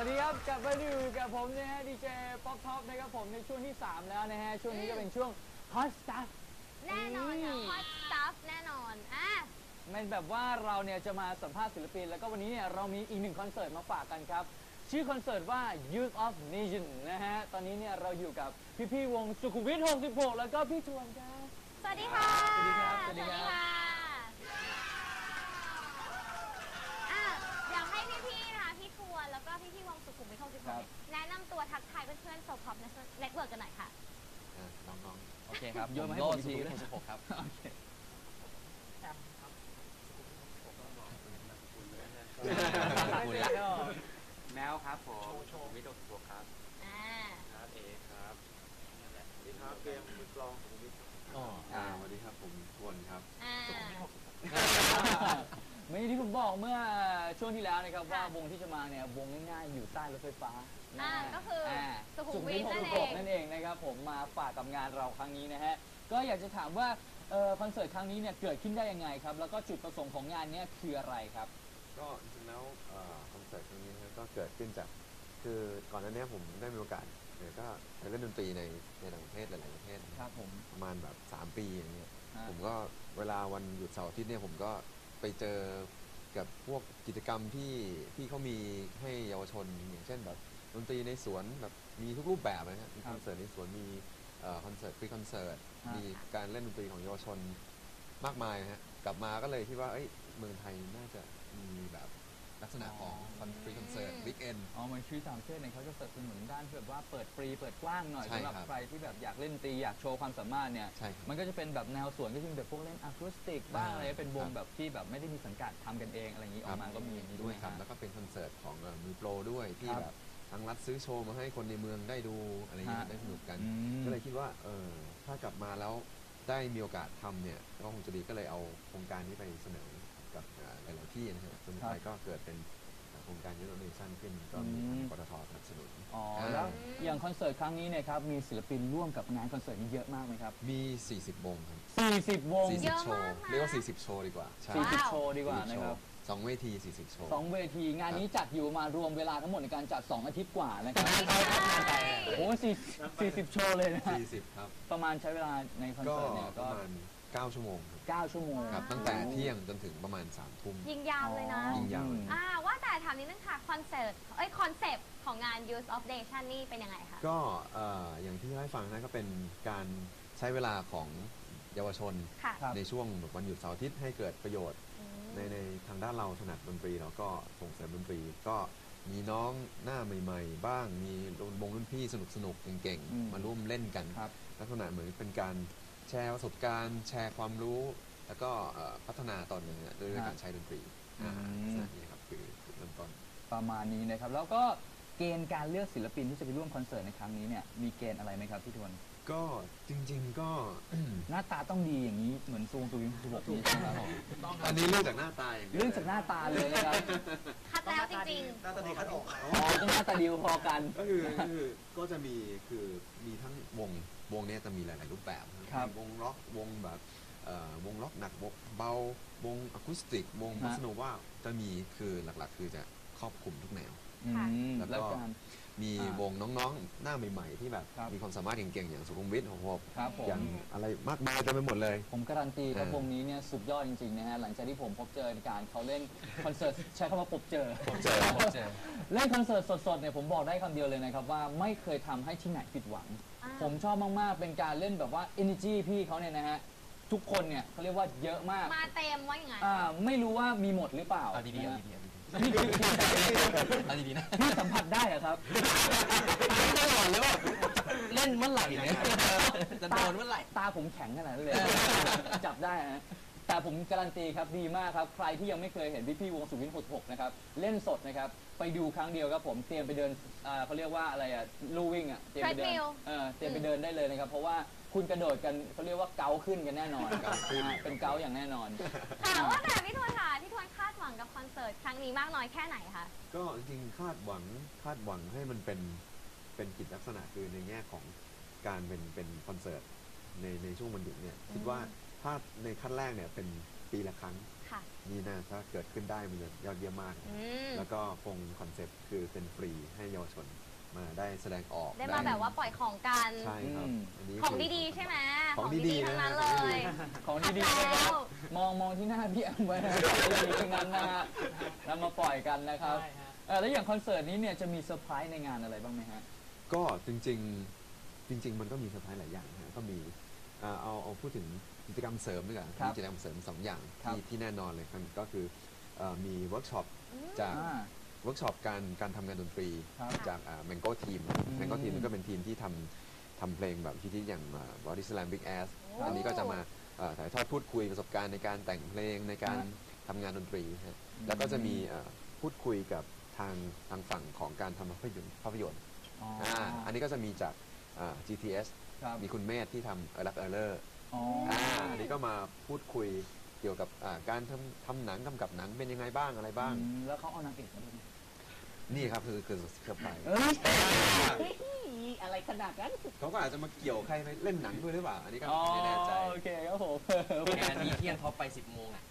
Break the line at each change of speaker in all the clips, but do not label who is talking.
วัสดีครับกลับมาอยู่กับผมนะฮะดีเจป๊อปท็อปนะครับผมในช่วงที่3แล้วนะฮะช่วงนี้ก็เป็นช่วง Hot Stuff
แน่นอนค่ะ Hot Stuff แน่นอน
มันแบบว่าเราเนี่ยจะมาสัมภาษณ์ศิลปินแล้วก็วันนี้เนี่ยเรามีอีก1คอนเสิร์ตมาฝากกันครับชื่อคอนเสิร์ตว่า Youth of Nation นะฮะตอนนี้เนี่ยเราอยู่กับพี่วงสุขุมวิท66แล้วก็พี่ทวนครับ
สวัสดีค่ะ
สวัสดีครับสวัสดีครับ
อยากให้พี่ๆนะคะพี่ทวนแล้วก็พี่วงสุขุมวิท66แนะนำตัวทักทายเพื่อนๆโซพอปเน็ตเวิร์กกันหน่อยค่ะ
น้อง
ๆโอเคครับโยนมาให้ผมทีนะ66ครับโอเค
แมวครับผมวิโดโกครับครับเอครับนี่แหละสวัสดีครับเกมมือกลองของวิทย์สวัสดีครับผมทวนครับ
ไม่ที่ผมบอกเมื่อช่วงที่แล้วนะครับว่าวงที่จะมาเนี่ยวงง่ายๆอยู่ใต้รถไฟฟ้า
ก็คือสุขุมวิท
นั่นเองนะครับผมมาฝากกับงานเราครั้งนี้นะฮะก็อยากจะถามว่าคอนเสิร์ตครั้งนี้เนี่ยเกิดขึ้นได้ยังไงครับแล้วก็จุดประสงค์ของงานนี้คืออะไรครับ
ก็จริงๆแล้วคอนเสิร์ตครั้งนี้ก็เกิดขึ้นจากคือก่อนหน้านี้ผมได้มีโอกาสก็ไปเล่นดนตรีในต่างประเทศหลายๆประเทศ
ครับผม
ประมาณแบบ3 ปีอย่างเงี้ยผมก็เวลาวันหยุดเสาร์อาทิตย์เนี่ยผมก็ไปเจอกับพวกกิจกรรมที่เขามีให้เยาวชนอย่างเช่นแบบดนตรีในสวนแบบมีทุกรูปแบบนะครับมีคอนเสิร์ตในสวนมีคอนเสิร์ตฟรีคอนเสิร์ตมีการเล่นดนตรีของเยาวชนมากมายนะฮะกลับมาก็เลยคิดว่าเมืองไทยน่าจะมีแบบลักษณะของฟรีคอนเสิร์ตวิกเอน
เหมือนชื่อต่างประเทศเนี่ยเขาจะสนับสนุนด้านแบบว่าเปิดฟรีเปิดกว้างหน่อยสำหรับใครที่แบบอยากเล่นดนตรีอยากโชว์ความสามารถเนี่ยมันก็จะเป็นแบบแนวสวนก็จะมีแบบพวกเล่นอะคูสติกบ้างอะไรเป็นวงแบบที่แบบไม่ได้มีสังกัดทำกันเองอะไรอย่างนี้ออกมาก็มีนี้ด้วย
ครับแล้วก็เป็นคอนเสิร์ตของมือโปรด้วยที่แบบทั้งรัฐซื้อโชว์มาให้คนในเมืองได้ดูอะไรอย่างนี้ได้สนุกกันก็เลยคิดว่าถ้ากลับมาแล้วได้มีโอกาสทำเนี่ยก็คงจะดีก็เลยเอาโครงการนี้ไปเสนอกับหลายๆที่นะฮะจนสุดท้ายก็เกิดเป็นโครงการยูโรเนชั่นขึ้นก็มีทางปตทสนับสนุน
แล้วอย่างคอนเสิร์ตครั้งนี้เนี่ยครับมีศิลปินร่วมกับงานคอนเสิร์ตนี้เยอะมากไหมครับ
มี40 วงครับ
40 วง
40 โชว์เรียกว่า40 โชว์ดีกว่า
40 โชว์ดีกว่านะครับ
2 เวที40 โชว์
2 เวทีงานนี้จัดอยู่มารวมเวลาทั้งหมดในการจัด2 อาทิตย์กว่านะครับโอ้40 โชว์เลยนะ
40ครับ
ประมาณใช้เวลาในคอนเสิร์ตเนี่ย
ก็ประมาณ9 ชั่วโมง
9 ชั่วโมง
ครับตั้งแต่เที่ยงจนถึงประมาณ3 ทุ่ม
ยิงยาวเลยนะ
ยิงยาว
ว่าแต่ถามนิดนึงค่ะคอนเซปต์ของงาน Youth of Nation นี่เป็นยังไงคะ
ก็อย่างที่ให้ฟังนะก็เป็นการใช้เวลาของเยาวชนในช่วงวันหยุดเสาร์อาทิตย์ให้เกิดประโยชน์ในทางด้านเราถนัดดนตรีเราก็ส่งเสริมดนตรีก็มีน้องหน้าใหม่ๆบ้างมีวงรุ่นพี่สนุกๆเก่งๆมาร่วมเล่นกันลักษณะเหมือนเป็นการแชร์ประสบการณ์แชร์ความรู้แล้วก็พัฒนาตนเองด้วยการใช้ดนตรีนี่ครับคือเริ่มต้น
ประมาณนี้นะครับแล้วก็เกณฑ์การเลือกศิลปินที่จะไปร่วมคอนเสิร์ตในครั้งนี้เนี่ยมีเกณฑ์อะไรไหมครับพี่ทวน
ก็จริงๆก็
หน้าตาต้องดีอย่างนี้เหมือนซูงซูงซูบอกนี้ใช่ไหมครับ
อันนี้เรื่องจากหน้าตา
เรื่องจากหน้าตาเลยนะครับ
คัดแล้วจริง
ๆหน้าตาดีคัดออก
ต้องหน้าตาดีพอกัน
ก็จะมีทั้งวงนี้จะมีหลายๆรูปแบบวงร็อกวงแบบวงร็อกหนักเบาวงอะคูสติกวงบอสโนวาจะมีคือหลักๆคือจะครอบคลุมทุกแนวแล้วก็มีวงน้องๆหน้าใหม่ๆที่แบบมีความสามารถเก่งๆอย่างสุขุมวิท66อย่างอะไรมากมายเต็มไปหมดเลย
ผมการันตีครับวงนี้เนี่ยสุดยอดจริงๆนะฮะหลังจากที่ผมพบเจอในการเขาเล่นคอนเสิร์ตใช้คำว่าพบเจอเล่นคอนเสิร์ตสดๆเนี่ยผมบอกได้คำเดียวเลยนะครับว่าไม่เคยทำให้ที่ไหนผิดหวังผมชอบมากๆเป็นการเล่นแบบว่า energy พี่เขาเนี่ยนะฮะทุกคนเนี่ยเขาเรียกว่าเยอะมาก
มาเต็มว่าอย่างไร
ไม่รู้ว่ามีหมดหรือเปล่า
ดี
ๆนะพี่สัมผัสได้เหรอครับ
ไม่หลอนเลยว่าเล่นเมื่อไหร่เนี่ยจะโดนเมื่อไหร่
ตาผมแข็งขนาดนั้นเลยจับได้ฮะแต่ผมการันตีครับดีมากครับใครที่ยังไม่เคยเห็นพี่วงสุขุมวิท66นะครับเล่นสดนะครับไปดูครั้งเดียวครับผมเตรียมไปเดินเขาเรียกว่าอะไรลู่วิ่งเตรียมไปเดินได้เลยนะครับเพราะว่าคุณกระโดดกันเขาเรียกว่าเกาขึ้นกันแน่นอนเป็นเกาอย่างแน่นอน
ค่ะว่าแต่พี่ทวนคาดหวังกับคอนเสิร์ตครั้งนี้มากน้อยแค่ไหนคะ
ก็จริงคาดหวังให้มันเป็นกิจลักษณะคือในแง่ของการเป็นคอนเสิร์ตในช่วงวันหยุดเนี่ยคิดว่าถ้าในขั้นแรกเนี่ยเป็นปีละครั้ง
ค่ะ
นี่นะถ้าเกิดขึ้นได้มันจะยอดเยี่ยมมาก แล้วก็คงคอนเซ็ปต์คือเป็นฟรีให้เยาวชนมาได้แสดงออก
ได้มาแบบว่าปล่อยของกัน
ใช่ครับอันนี้
ของ
คื
ดีๆใช่ไหม
ของดีๆ
ทั้งนั้น
นะ
เล
ของดี
ย
ของดีๆนะครับมองที่หน้าพี่แอมไว้นะดีๆทั้งนั้นนะฮะนำมาปล่อยกันนะครับ
ใช่ฮะ
แล้วอย่างคอนเสิร์ตนี้เนี่ยจะมีเซอร์ไพรส์ในงานอะไรบ้างไหมฮะ
ก็จริงๆมันก็มีเซอร์ไพรส์หลายอย่างนะก็มีเอาพูดถึงกิจกรรมเสริมด้วยกัน
ครับ
มีกิจกรรมเสริม2 อย่าง
ครับ
ที่แน่นอนเลยครับก็คือมีเวิร์กช็อปจาก
อ่า
เวิร์กช็อปการทำงานดนตรี
ครับ
จากMango Team Mango Team ก็เป็นทีมที่ทำเพลงแบบฮิตๆอย่าง Body Slam Big Ass
โอ้
อันนี้ก็จะมาถ่ายทอดพูดคุยประสบการณ์ในการแต่งเพลงในการทำงานดนตรีฮะแล้วก็จะมีพูดคุยกับทางฝั่งของการทำภาพยนตร์
อ๋อ
อันนี้ก็จะมีจาก GTS
ครับ
มีคุณเมธที่ทำรักเลอร์
อ๋อ
อันนี้ก็มาพูดคุยเกี่ยวกับการทำหนังกำกับหนังเป็นยังไงบ้างอะไรบ้าง
แล้วเขาเอานางเอกมาด้วยไหม
นี่ครับคือเซอร์ไพรส์
เอ้ยอะไรขนาดนั้น
เขาก็อาจจะมาเกี่ยวใครไปเล่นหนังด้วยหรือเปล่า อันนี้ก็ไม่แน่ใจ
โอเคครับผม
งานนี้เที่ยงท็อปไป 10 โมงอ่ะ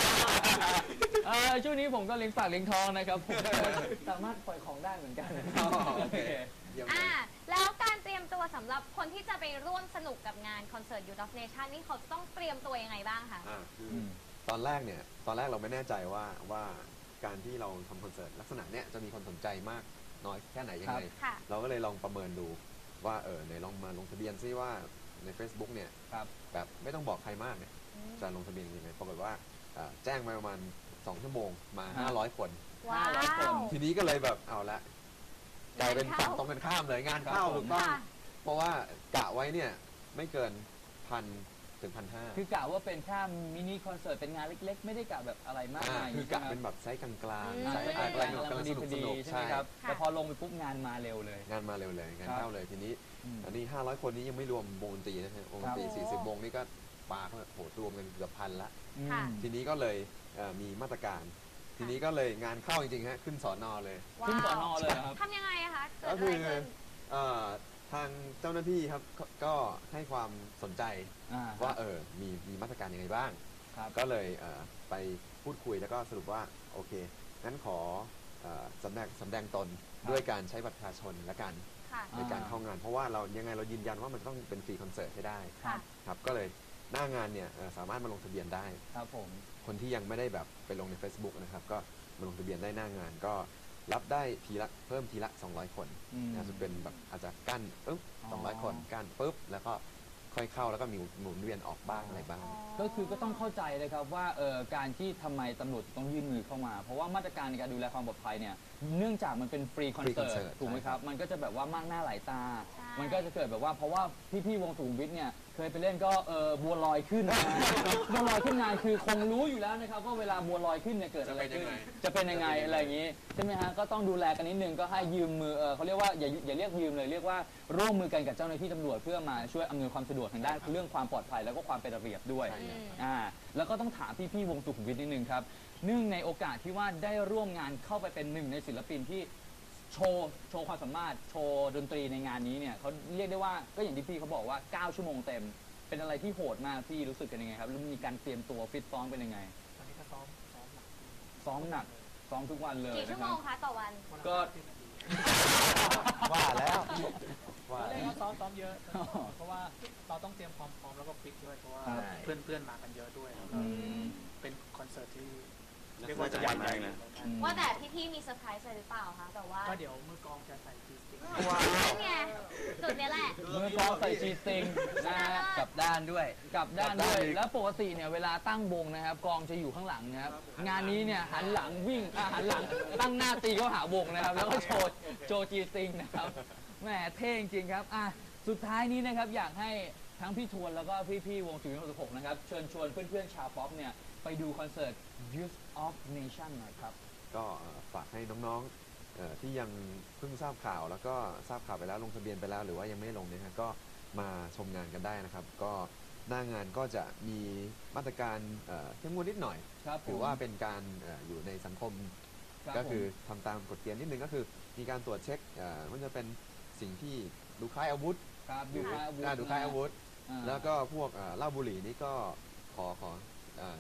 ช่วงนี้ผมก็เลี้ยงปากเลี้ยงท้องนะครับผมสามารถปล่อยของได้เหมือนกัน
โอเค เยี่ยมเลย
แล้วการเตรียมตัวสำหรับคนที่จะไปร่วมสนุกกับงานคอนเสิร์ต Youth of Nation นี่เขาจะต้องเตรียมตัวยังไงบ้างคะ
คือตอนแรกเราไม่แน่ใจว่าการที่เราทำคอนเสิร์ตลักษณะเนี้ยจะมีคนสนใจมากน้อยแค่ไหนยังไง
ค่ะ
เราก็เลยลองประเมินดูว่าไหนลองมาลงทะเบียนซิว่าใน Facebook เนี่ย
ครับ
แบบไม่ต้องบอกใครมากเนี่ยจะลงทะเบียนยังไงปรากฏว่าแจ้งมาประมาณ2 ชั่วโมงมา 500 คน
ว้า
500 คน
ว
ทีนี้ก็เลยแบบเอาละกลายเป็นฝั่งตรงกันข้ามเลยงานเข้า
ครับผม
ถูกต้อง
ค่ะ
เพราะว่ากะไว้เนี่ยไม่เกิน1,000 ถึง 1,500
คือกะว่าเป็นแค่มินิคอนเสิร์ตเป็นงานเล็กๆ ไม่ได้กะแบบอะไรมากมาย
คือกะเป็นแบบไซส์กลาง
อืม
ๆไซส์กลางๆกำลังสนุก
พอดีใช่ไหมครับ
ค่ะ
แต่พอลงไปปุ๊บงานมาเร็วเลย
งานมาเร็วเลยงาน
ครับ
เข้าเลยทีนี้ อันนี้ 500 คนนี้ยังไม่รวมวงดนตรีนะฮะวงดนตรี
ครับ
40 วงนี่ก็ปาเข้ามาโหรวมกันเกือบ1,000ละ
ค่ะ
ทีนี้ก็เลยมีมาตรการ ทีนี้ก็เลยงานเข้าจริงๆฮะขึ้นสอนอเลย
ขึ้นสอนอเลยครับ
ทำยังไงอะคะเกิด
ก็
อะ
คื
ไร
อ
ขึ้น
ทางเจ้าหน้าที่ครับก็ให้ความสนใจ ว่า มีมาตรการยังไงบ้าง
ครับ
ก็เลยไปพูดคุยแล้วก็สรุปว่าโอเคงั้นขอสำแดงตนด้วยการใช้บัตรประชาชนและกัน
ค่ะ
ในการเข้างาน เพราะว่าเรายังไงเรายืนยันว่ามันต้องเป็นฟรีคอนเสิร์ตให้ได้
ค่ะ
ครับก็เลยหน้างานเนี่ยสามารถมาลงทะเบียนได้
ครับผม
คนที่ยังไม่ได้แบบไปลงใน Facebook นะครับก็มาลงทะเบียนได้หน้างาน ก็รับได้เพิ่มทีละ200 คนอาจจะเป็นแบบอาจจะกั้นปุ๊บ200 คนกั้นปุ๊บแล้วก็ค่อยเข้าแล้วก็มีหมุนเวียนออกบ้างอะไรบ้าง
ก็คือก็ต้องเข้าใจเลยครับว่าการที่ทำไมตำรวจต้องยื่นมือเข้ามา เพราะว่ามาตรการในการดูแลความปลอดภัยเนี่ยเนื่องจากมันเป็นฟรีคอน
Free
เสิร์
concert
ตถูกไหมครับ มันก็จะแบบว่ามากหน้าหลายตา
ใช่
มันก็จะเกิดแบบว่าเพราะว่าพี่ๆวงสุขุมวิทเนี่ยเคยไปเล่นก็บัวลอยขึ้นนะ บัวลอยขึ้นงานคือคงรู้อยู่แล้วนะครับว่าเวลาบัวลอยขึ้นเนี่ยเกิดอะไรขึ้นจะเป็นยังไงอะไรอย่างนี้ใช่ไหมฮะก็ต้องดูแลกันนิดนึงก็ให้ยืมมือเขาเรียกว่าอย่าเรียกยืมเลยเรียกว่าร่วมมือกันกับเจ้าหน้าที่ตำรวจเพื่อมาช่วยอำนวยความสะดวกทางด้านเรื่องความปลอดภัยแล้วก็ความเป็นระเบียบด้วย
ใช่ครับ
แล้วก็ต้องถามพี่ๆวงสุขุมวิทนิดนึงครับเนื่องในโอกาสที่ว่าได้ร่วมงานเข้าไปเป็นหนึ่งในศิลปินที่โชว์ความสามารถโชว์ดนตรีในงานนี้เนี่ยเขาเรียกได้ว่าก็อย่างที่พี่เขาบอกว่า 9 ชั่วโมงเต็ม เป็นอะไรที่โหดมากพี่รู้สึกกันยังไงครับแล้วมีการเตรียมตัวฟิตซ้อมเป็นยังไง
ตอนนี้ก็ซ้อมหนัก
ซ้อมหนักซ้อมทุกวันเลย
กี่ชั่
นะ
ว
ค
โม
รับ
งคะต่อวัน
ก็
ว่าแล้วว่า
เล่
แล้
น
ว
ก็ซ้อมเยอะ เพราะว่าเราต้องเตรียมความพร้อมแล้วก็ฟิตด้วยเพราะว่า
ครับ
เพื่อนๆมากันเยอะด้วยแล้วก็
อืม
เป็นคอนเสิร์ตที่
น่า
เรียกว่าจะ
สนใจ
ใหญ่
มากนะ
ว่าแต่พี่ๆมีเซอร์ไพรส์อะไรหรือเปล่าคะแบบว่า
ก็เดี๋ยวมือกลองจะใส่จีสติก
นั่นไงจุดเนี้ยแหละ
มือกลองใส่ชีสติงนะฮะ
กับ
ด้านด้วยกับด้านด้วย แล้วปกติเนี่ยเวลาตั้งวงนะครับกลองจะอยู่ข้างหลังนะครับงานนี้เนี่ยหันหลังวิ่งหันหลังตั้งหน้าตีเข้าหาวงนะครับแล้วก็โชว์จีสติงนะครับแหมเท่จริงๆครับสุดท้ายนี้นะครับอยากให้ทั้งพี่ทวนแล้วก็พี่ๆวงสุรินทร์66นะครับเชิญชวนเพื่อนๆชาวป๊อปเนี่ยไปดูคอนเสิร์ต Youth of Nation หน่อยครับ
ก็ฝากให้น้องๆที่ยังเพิ่งทราบข่าวแล้วก็ทราบข่าวไปแล้วลงทะเบียนไปแล้วหรือว่ายังไม่ได้ลงเนี่ยฮะก็มาชมงานกันได้นะครับ ก็หน้างานก็จะมีมาตรการเข้มงวดนิดหน่อย
ครับผม
ถือว่าเป็นการอยู่ในสังคม
รับ
ก็คือ
ผม
ทำตามกฎเกณฑ์นิดนึงก็คือมีการตรวจเช็คมันจะเป็นสิ่งที่ดูคล้ายอาวุธ
ครับดูคล้ายอาวุธ
ดูคล้ายอาวุธ
อ่า
แล้วก็พวกเหล้าบุหรี่นี่ก็ขอ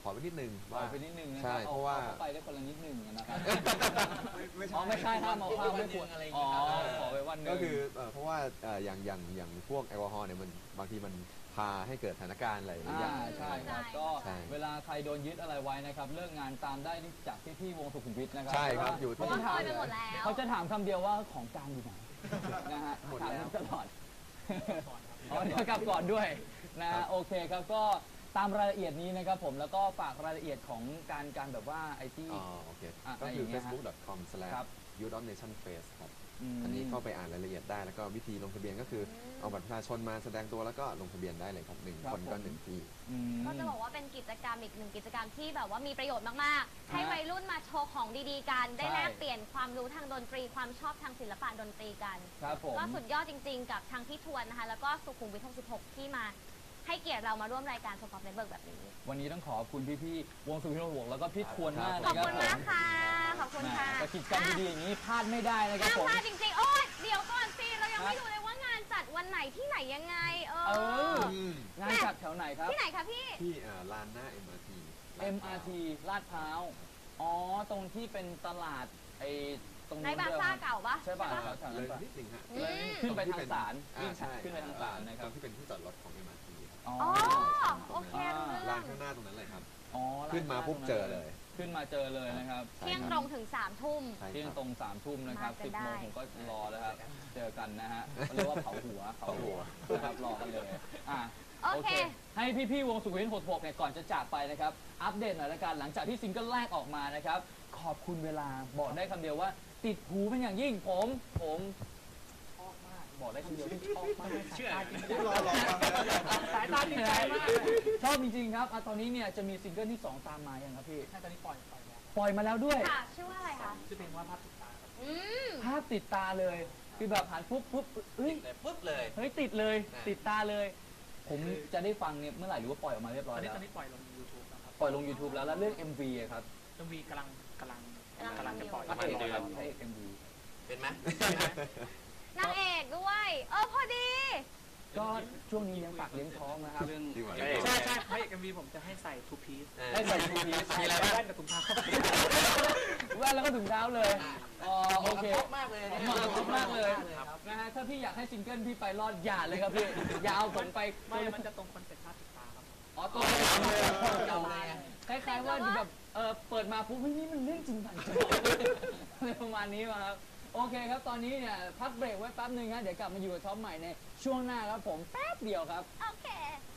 อไปนิดนึง
ขอ
ว่า
ไปนิดนึงนะค
ใช่
รับ
เพราะว่า
อเข้าไปได้คนละนิดนึงนะครับ
ไม่
อ๋อไม่ใช่ห้ามเอาข้าวไม่ควร
อะไรอย่าง
อ๋
เงี้
อย
ครับ
ขอไปวันหนึง
ก็คือเพราะว่าอย่างพวกแอลกอฮอล์เนี่ยมันบางทีมันพาให้เกิดสถานการณ์อะไรอย่างเงี้ย
ใช่ครับ
ใช่
ก็
ใช่
เวลาใครโดนยึดอะไรไว้นะครับเลิกงานตามได้จากพี่ๆวงสุขุมวิทนะครั
ใช่ครับอยู่
เพราะ
ที่
ว่าเคยไปหมดแล้ว
เขาจะถามคำเดียวว่าของกลางอยู่ไหนนะฮะ
หมด
ถาม
แล้ว
ตลอดอ๋อเดี๋ยวกลับก่อนด้วยนะฮะโอเคครับก็ตามรายละเอียดนี้นะครับผมแล้วก็ฝากรายละเอียดของการแบบว่าไอ้ที่
อ๋อโอเค
อ่ะ
ก็คือ
อะไรอย่างเงี้ยฮะ
facebook.com/
ครับ
youth.nation.face ครับ
ม
อันนี้เข้าไปอ่านรายละเอียดได้แล้วก็วิธีลงทะเบียนก็คือเอาบัตรประชาชนมาแสดงตัวแล้วก็ลงทะเบียนได้เลยครับหนึ่ง
ครับ
คนก็
ผม
หนึ่งที่
อืม
ก็จะบอกว่าเป็นกิจกรรมอีกหนึ่งกิจกรรมที่แบบว่ามีประโยชน์มากๆ ให้วัยรุ่นมาโชว์ของดีๆกัน ได้
ใช่
แลกเปลี่ยนความรู้ทางดนตรี ความชอบทางศิลปะดนตรีกัน
ครับผม
ก็สุดยอดจริงๆ กับทางพี่ทวนนะคะ แล้วก็สุขุมวิท 66 ที่มาให้เกียรติเรามาร่วมรายการโซฟาเน็ตเวิร์กแบบนี้
วันนี้ต้องขอบคุณพี่ๆวงสุวิทย์วงศ์แล้วก็พี่ทวนมาก
ขอบ
นะครั
คุ
บ
ณ
ผม
มากค่ะ ขอบคุณค่ะ
แต่กิจกรรมดีๆอย่างนี้พลาดไม่ได้นะครับ
ห้าม
ผม
พลาดจริงๆ โอ๊ยเดี๋ยวก่อนสิ เรายังไม่รู้เลยว่างานจัดวันไหนที่ไหนยังไง
เอองานจัดแถวไหนครับ
ที่ไหนคะพี่
ที่ลานหน้า MRT
MRT ลาดพร้าว อ๋อ ตรงที่เป็นตลาดไอ้ตรง
ใน
นู้น
บา
ด้วย
ซ่า
ครับ
เก่าปะ
ใช่ป่ะ
ปะ
แถว
เล
นั้น
ย
ปะ
นิดนึงฮะ
อืม
ขึ้นไปทางศาลวิ่ง
ใช่
ขึ้นไปทางศาลนะครับ
ตรงที่เป็นที่จอดรถของ MRT ครับ
อ๋อ
อ๋อ โอเครู้เรื่
ลา
อน ง
ข้างหน้าตรงนั้นเลยครับ
อ๋อ
ขึ้นมาปุ๊บเจอเลย
ขึ้นมาเจอเลยนะครับ
เที่ยงตรงถึง3 ทุ่ม
ใช่
เที่ยง
ครับ
ตรง3 ทุ่มนะครับ
มากัน
10 โมง
ได้
ผมก็รอแล้วครับ เจอกันนะฮะเขาเรียกว่าเผาหัวนะครับรอกันเลยอ่ะ
โอเค
ให้พี่ๆวงสุขุมวิท66เนี่ยก่อนจะจากไปนะครับ อัปเดตหน่อยละกันหลังจากที่ซิงเกิลแรกออกมานะครับ ขอบคุณเวลาบอกได้คำเดียวว่า ติดหูเป็นอย่างยิ่งผมชอบมากบอกได้คำเดียวที่ชอบมาก
เชื่อ
สายตาจริงใจมากชอบจริงๆครับอ่ะตอนนี้เนี่ยจะมีซิงเกิลที่ 2 ตามมายังครับพี่
ตอนนี้ปล่อยแล้ว
ปล่อยมาแล้วด้วย
ค่ะ ชื่อว่าอะไรคะ
ชื่อเพลงว่าภาพติดตาครับ
อืม
ภาพติดตาเลยคือแบบหันปุ๊บเฮ้ย
ปุ๊บเลย
เฮ้ยติดเลย ติดตาเลย ผมจะได้ฟังเนี่ยเมื่อไหร่หรือว่าปล่อยออกมาเรียบ
ต
ร้
อ
อน ย
นี้
แล้ว
ตอนนี้ปล่อยลง YouTube นะครับ
ปล่อยลง YouTube แล้วแล้วเรื่อง MV อะครับ
MV กำลังจะปล่อย
พระเอกครับพระเอก MV
เป็นไหม
นางเอกด้วย พอดี
ก็ช่วงนี้เลี้ยงปากเลี้ยงท้องนะครับ
เรื่อง
ดีกว่า
ใช่ใช่พระเอก MV ผมจะให้ใส่ two piece
ให้ใส่ทูพี
มีอะไรบ้าง
แว่นกับถุงเท้า
แว่นแล้วก็ถุงเท้าเลยอ๋อโอเค
ชอบมากเลย
เหมาะกับมากเลยนะฮะถ้าพี่อยากให้ซิงเกิลพี่ไปรอดอย่าเลยครับพี่อย่าเอาผมไป
ไม่มันจะตรงคอนเซ็ปต์ภาพติดตาครับ
อ๋อตัวเก่าเลยคล้ายๆว่าแบบเปิดมาปุ๊บนี่มันเรื่องจริงจังอะไรประมาณนี้มาครับโอเคครับตอนนี้เนี่ยพักเบรกไว้แป๊บนึงครับเดี๋ยวกลับมาอยู่กับท็อปใหม่ในช่วงหน้าครับผมแป๊บเดียวครับ
โอเค